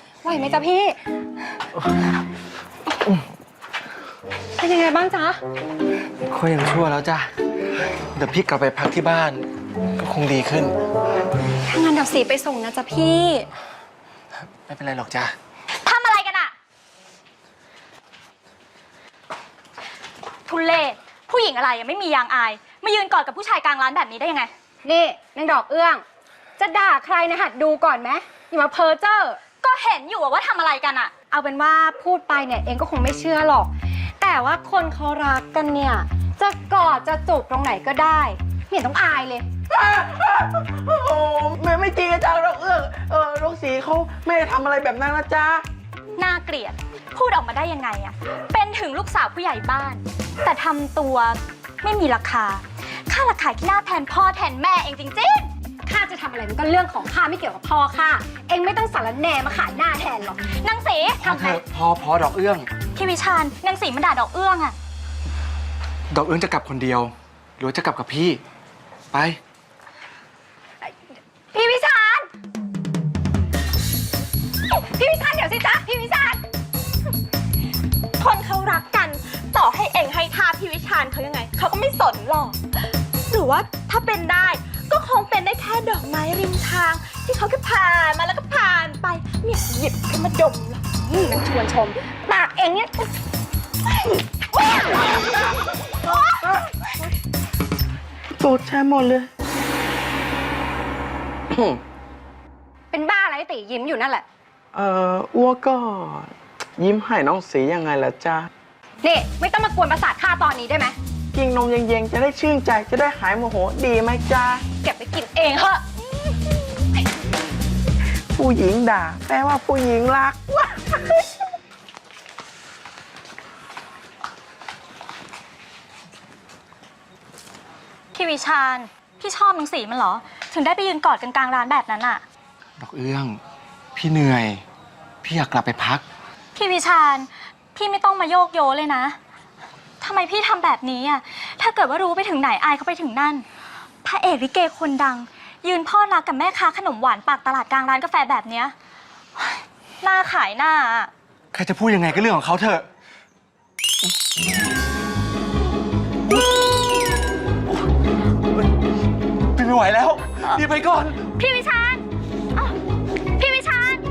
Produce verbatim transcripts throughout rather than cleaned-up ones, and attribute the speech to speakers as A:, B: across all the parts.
A: ไหวไหมจ๊ะพี่เป็นยังไงบ้างจ๊ะ
B: ก็ยังชั่วแล้วจ้ะเดี๋ยวพี่กลับไปพักที่บ้านก็คงดีขึ้น
A: ถ้างั้นเดี๋ยวสีไปส่งนะจ๊ะพี่
B: ไม่เป็นไรหรอกจ้ะ
C: ทำอะไรกันอะทุเล่ผู้หญิงอะไรยังไม่มียางอายมายืนกอดกับผู้ชายกลางร้านแบบนี้ได้ยังไง
A: นี่นางดอกเอื้องจะด่าใครนะหัดดูก่อนไหมอย่ามาเพ้อเจ้อ
C: ก็เห็นอยู่ว่าทำอะไรกันอะ
A: เอาเป็นว่าพูดไปเนี่ยเองก็คงไม่เชื่อหรอกแต่ว่าคนเขารักกันเนี่ยจะกอดจะจูบตรงไหนก็ได้ไม่เห็นต้องอายเลย
D: โอ้แม่ไม่จริงอาจารย์เราเอื้องเออลูกสีเขาไม่ได้ทำอะไรแบบนั้นนะจ๊ะ
C: น่าเกลียดพูดออกมาได้ยังไงอะเป็นถึงลูกสาวผู้ใหญ่บ้านแต่ทำตัวไม่มีราคาค่าราคาที่หน้าแทนพ่อแทนแม่เองจริงๆ
A: ข้าจะทำอะไรมันก็เรื่องของข้าไม่เกี่ยวกับพ่อข้าเองไม่ต้องสารแหน่มาขายหน้าแทนหรอก
C: นางสี
B: ทำไมพอพอดอกเอื้อง
C: พี่วิชาญนางสีมันด่าดอกเอื้องอะ
B: ดอกเอื้องจะกลับคนเดียวหรือจะกลับกับพี่ไป
A: พี่วิชาญพี่วิชาญเดี๋ยวสิจ๊ะพี่วิชาญ
C: คนเขารักกันต่อให้เองให้ท่าพี่วิชาญเขายังไงเขาก็ไม่สนหรอกหรือว่าถ้าเป็นได้ก็คงเป็นได้แค่ดอกไม้ริมทางที่เขาแค่ผ่านมาแล้วก็ผ่านไปเนี่ยหยิบขึ้นมาดมหรอก
A: นางชวนชมปากเองเนี่ย
D: ตูดแช่หมดเลย
A: เป็นบ้าอะไรตียิ้มอยู่นั่นแหละ
D: เอ่ออ้วก็ยิ้มให้น้องสียังไงล่ะจ๊ะ
A: นี่ไม่ต้องมากวนประสาทข้าตอนนี้ได้ไหม
D: กินนมเย็นๆจะได้ชื่นใจจะได้หายโมโหดีไหมจ๊ะ
A: เก็บไปกินเองเถอะ
D: ผู้หญิงด่าแปลว่าผู้หญิงรัก
C: พี่วิชาญพี่ชอบนางสีมันเหรอถึงได้ไปยืนกอดกันกลางร้านแบบนั้นอะ
B: ดอกเอื้องพี่เหนื่อยพี่อยากกลับไปพัก
C: พี่วิชาญพี่ไม่ต้องมาโยกโยเลยนะทำไมพี่ทำแบบนี้อ่ะถ้าเกิดว่ารู้ไปถึงไหนอายเขาไปถึงนั่นพระเอกลิเกคนดังยืนพ่อรักกับแม่ค้าขนมหวานปากตลาดกลางร้านกาแฟแบบเนี้ยหน้าขายหน้า
B: ใครจะพูดยังไงก็เรื่องของเขาเถอะไม่ไหวแล้วรีบไปก่อน
C: พี่วิชาญพี่วิชาญ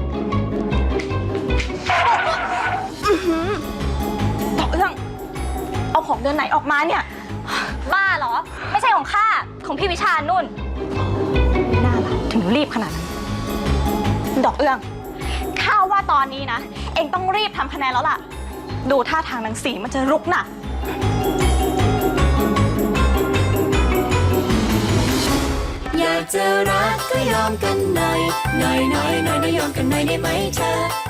C: ดอกเอื้องเอาของเดือนไหนออกมาเนี่ยบ้าเหรอไม่ใช่ของข้าของพี่วิชาญนุ่นน่ารักถึงรีบขนาดนั้นดอกเอื้องข้าว่าตอนนี้นะเอ็งต้องรีบทำคะแนนแล้วล่ะดูท่าทางนางสีมันจะรุกหนัก
E: อยากจะรักก็ยอมกันหน่อยหน่อยหน่อยหน่อยนะยอมกันหน่อยได้ไหมเธอ